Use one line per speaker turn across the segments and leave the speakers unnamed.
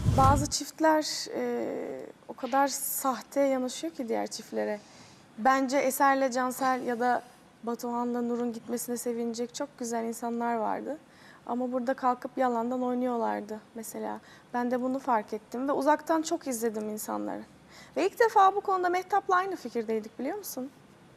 Bazı çiftler o kadar sahte yanaşıyor ki diğer çiftlere. Bence Eser'le Cansel ya da Batuhan'la Nur'un gitmesine sevinecek çok güzel insanlar vardı. Ama burada kalkıp yalandan oynuyorlardı mesela. Ben de bunu fark ettim ve uzaktan çok izledim insanları. Ve ilk defa bu konuda Mehtap'la aynı fikirdeydik, biliyor musun?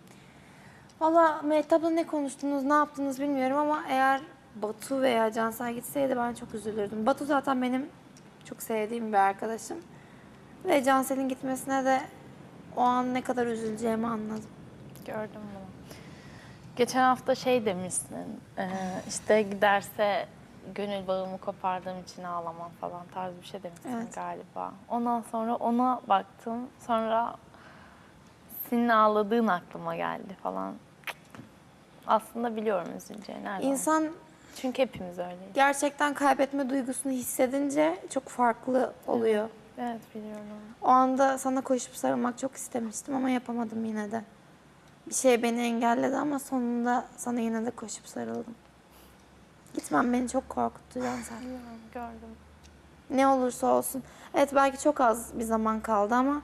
Valla Mehtap'la ne konuştunuz, ne yaptınız bilmiyorum ama eğer Batu veya Cansel gitseydi ben çok üzülürdüm. Batu zaten benim çok sevdiğim bir arkadaşım. Ve Cansel'in gitmesine de o an ne kadar üzüleceğimi anladım.
Gördüm bunu. Geçen hafta şey demişsin, işte giderse gönül bağımı kopardığım için ağlamam falan tarzı bir şey demişsin
Evet.
galiba. Ondan sonra ona baktım, sonra senin ağladığın aklıma geldi falan. Aslında biliyorum üzüleceğini. Nereden?
İnsan
Çünkü hepimiz öyleyiz.
gerçekten kaybetme duygusunu hissedince çok farklı oluyor.
Evet biliyorum.
O anda sana koşup sarılmak çok istemiştim ama yapamadım yine de. Bir şey beni engelledi ama sonunda sana yine de koşup sarıldım. Gitmem beni çok korkuttu Cansel.
Biliyorum, gördüm.
Ne olursa olsun. Evet belki çok az bir zaman kaldı ama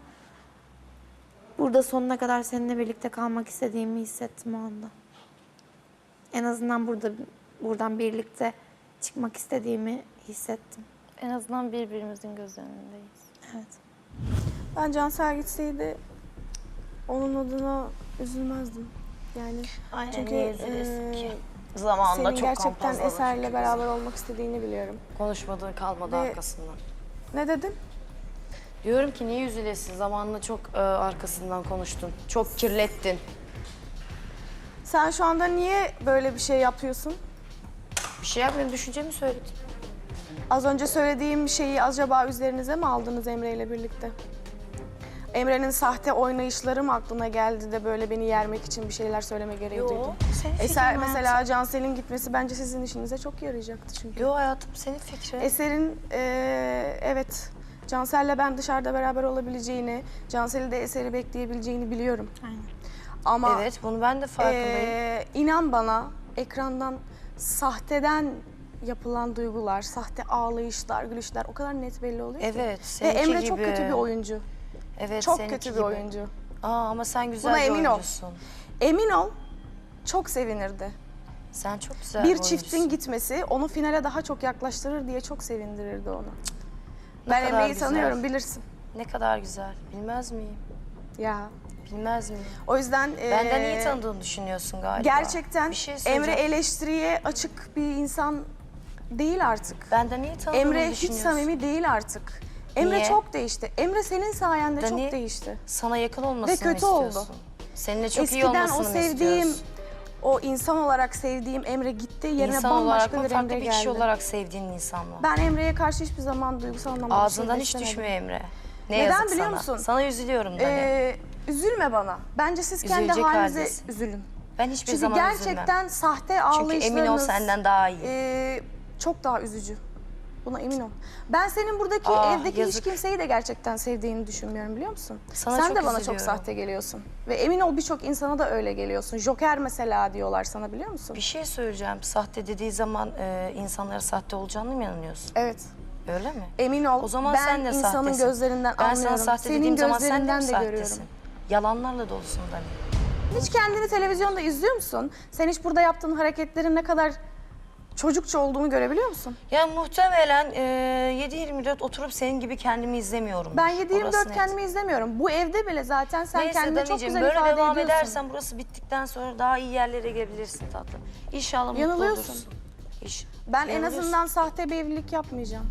burada sonuna kadar seninle birlikte kalmak istediğimi hissettim o anda. En azından buradan birlikte çıkmak istediğimi hissettim.
En azından birbirimizin göz önündeyiz.
Evet.
Ben Cansel gitseydi onun adına üzülmezdim. Yani
Aynen,
çünkü
niye üzülesin ki? Zamanında
senin
çok
gerçekten
kampazladı
Eser'le
çünkü
beraber olmak istediğini biliyorum.
konuşmadığı kalmadı
Ve-
arkasından.
Ne dedin?
Diyorum ki niye üzülesin? Zamanında çok arkasından konuştun. Çok kirlettin.
Sen şu anda niye böyle bir şey yapıyorsun?
Bir şey yapmıyorum, düşüncemi söyledim.
Az önce söylediğim şeyi acaba üzerinize mi aldınız Emre ile birlikte? Emre'nin sahte oynayışları mı aklına geldi de böyle beni yermek için bir şeyler söyleme gereği duydun?
senin
Eser
fikrin
mesela Cansel'in gitmesi bence sizin işinize çok yarayacaktı çünkü.
Yo hayatım, senin fikrin.
Eser'in evet Cansel'le ben dışarıda beraber olabileceğini, Cansel'i de Eser'i bekleyebileceğini biliyorum.
Aynen.
Ama
Evet, bunu ben de farkındayım.
inan bana ekrandan sahteden yapılan duygular, sahte ağlayışlar, gülüşler o kadar net belli oluyor ki.
Evet,
Ve
seninki
Emre
gibi.
çok kötü bir oyuncu.
Evet,
Çok
seninki
kötü bir
gibi.
oyuncu.
Ama sen güzel
Buna
bir
emin ol.
oyuncusun.
Emin ol, çok sevinirdi.
Sen çok güzel
Bir
oyuncusun.
çiftin gitmesi onu finale daha çok yaklaştırır diye çok sevindirirdi onu. Ben
kadar
Emre'yi
güzel.
tanıyorum, bilirsin.
Ne kadar güzel. Bilmez miyim?
Ya.
Bilmez miyim?
O yüzden
Benden iyi tanıdığını düşünüyorsun galiba.
gerçekten
Bir şey
Emre
söyleyeceğim.
eleştiriye açık bir insan değil artık.
Benden iyi tanıdığını
Emre hiç
düşünüyorsun.
samimi değil artık. Emre
Niye?
çok değişti. Emre senin sayende çok
Dani,
değişti.
Sana yakın olmasını
Ve kötü
istiyorsun.
oldu.
Seninle çok iyi
Eskiden
olmasını
o
mı
sevdiğim,
istiyorsun?
o insan olarak sevdiğim Emre gitti. Yerine
İnsan olarak
bambaşka
mı,
bir
farklı
Emre
bir
geldi.
kişi olarak sevdiğin insan mı?
Ben Emre'ye karşı hiçbir zaman duygusal anlamda bir
Ağzından
şey
hiç
beslemedim.
düşmüyor Emre. Ne
Neden
yazık
biliyor
sana.
musun?
Sana üzülüyorum Dani.
Üzülme bana. Bence siz kendi
Üzülecek
halinize
haldesin.
üzülün.
Ben hiçbir
Çünkü
zaman
gerçekten
üzülmem.
sahte
Çünkü
ağlayışlarınız...
emin ol senden daha iyi.
çok daha üzücü. Buna emin ol. Ben senin buradaki evdeki hiç
yazık.
kimseyi de gerçekten sevdiğini düşünmüyorum, biliyor musun?
Sana
Sen
çok
de bana çok
üzülüyorum.
sahte geliyorsun. Ve emin ol birçok insana da öyle geliyorsun. Joker mesela diyorlar sana, biliyor musun?
Bir şey söyleyeceğim. Sahte dediği zaman insanlara sahte olacağını mı inanıyorsun?
Evet.
Öyle mi?
Emin ol.
O zaman
ben
sen de
insanın
sahtesin.
gözlerinden
Ben
anlıyorum.
sana sahte
Senin
dediğim zaman sen de
gözlerinden
mi
de
sahtesin?
görüyorum.
Yalanlarla dolusun Dani.
Hiç kendini televizyonda izliyor musun? Sen hiç burada yaptığın hareketlerin ne kadar çocukça olduğunu görebiliyor musun?
Ya muhtemelen 7/24 oturup senin gibi kendimi izlemiyorum.
Ben
Orası
7/24
net.
kendimi izlemiyorum. Bu evde bile zaten sen
Neyse
kendini çok
Danicim,
güzel
böyle
ifade
devam
ediyorsun.
edersen burası bittikten sonra daha iyi yerlere gelebilirsin tatlım. İnşallah mutlu
Yanılıyorsun.
olursun.
Ben en
Yanılıyorsun.
azından sahte bir evlilik yapmayacağım.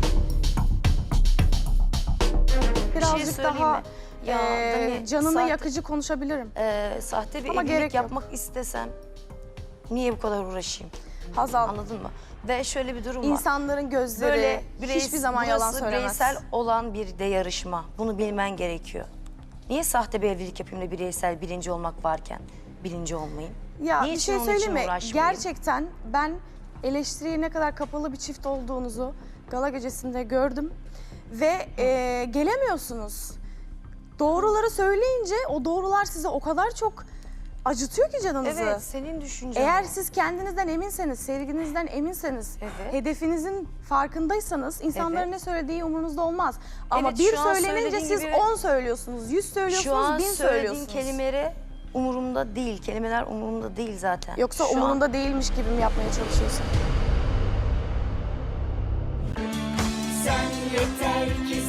Bir
Birazcık
şey söyleyeyim
daha
mi? Ya, Dani,
canını
sahte-
yakıcı konuşabilirim.
Sahte bir
Ama gerek
evlilik
yok.
yapmak istesem niye bu kadar uğraşayım?
Hazal,
Anladın mı? Ve şöyle bir durum var.
insanların gözleri
Böyle
hiçbir zaman yalan
burası
söylemez.
bireysel olan bir de yarışma. Bunu bilmen gerekiyor. Niye sahte bir evlilik yapayım da bireysel birinci olmak varken birinci olmayayım?
Ya
Niçin
bir şey
onun için
söyleyeyim mi?
uğraşmayayım?
Gerçekten ben eleştiriye ne kadar kapalı bir çift olduğunuzu gala gecesinde gördüm. Ve gelemiyorsunuz. Doğruları söyleyince o doğrular size o kadar çok acıtıyor ki canınızı.
Evet, senin düşüncen.
Eğer
o.
siz kendinizden eminseniz, sevginizden eminseniz,
Evet.
hedefinizin farkındaysanız insanların
Evet.
ne söylediği umurunuzda olmaz. Ama
Evet,
bir
şu an
söylenince
söylediğin
siz
gibi-
10 söylüyorsunuz, 100
Şu
söylüyorsunuz,
an
1000
söylediğin
söylüyorsunuz.
kelimeleri umurumda değil. Kelimeler umurumda değil zaten.
Yoksa
Şu an-
umurunda değilmiş gibi mi yapmaya çalışıyorsun?
Sen yeter ki